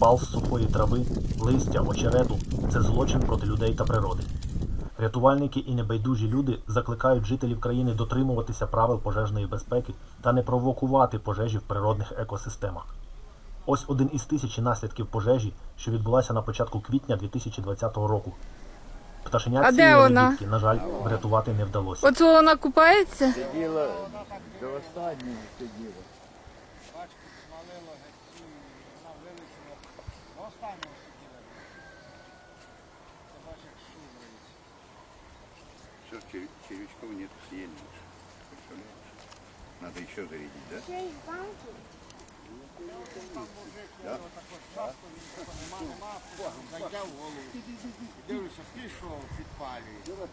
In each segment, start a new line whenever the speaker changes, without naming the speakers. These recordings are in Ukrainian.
запал з сухої трави, листя, очерету – це злочин проти людей та природи. Рятувальники і небайдужі люди закликають жителів країни дотримуватися правил пожежної безпеки та не провокувати пожежі в природних екосистемах. Ось один із тисячі наслідків пожежі, що відбулася на початку квітня 2020 року. Пташенят цієї невідки, на жаль, врятувати не вдалося.
Оце вона купається?
Сиділа, до останнього сиділа.
Бачку смалило геть, вона вилетіла. До останнього сиділа. Це бачиш, як шубрається.
Все, червячков нет, съели. Представляешь? Надо еще зарядить, да?
Да? Часто він тако нема, зайде в голову. Дивлюся, пішов, підпалює.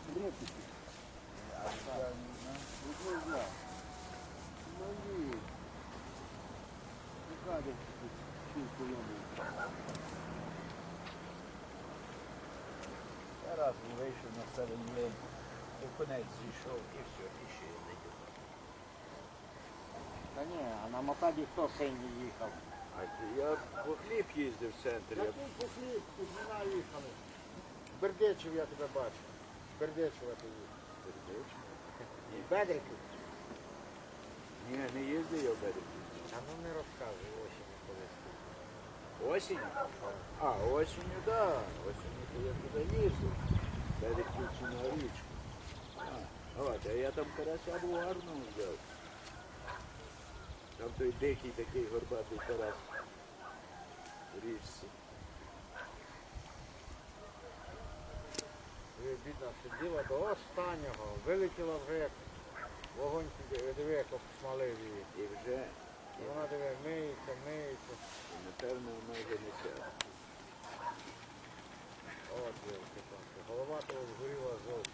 Раз вийшов на старий і конець зійшов, і все, і ще не йде.
Та ні, а на мотоді хто синій їхав?
А я по хліб їздив в центрі.
Я тут по хліб, тут вона їхали. Бердичів я тебе бачу. Бердичева ти їхав. Бедриків?
Ні, не їздив я в березі.
А ну не розказуй, осінь колись.
Осінь? А, осінню, так. Да. Осінню то я туди їздив. Берегів чи на річку. А я там карася був гарно взяв. Там той дикий такий горбатий карась в річці.
Бідна сиділа до останнього, вилетіла вже як вогонь, диви, як обсмалив її.
І вже,
І вона диви, миється.
напевно, вона вже не ця.
От, дивіться, голова того згоріла зовсім.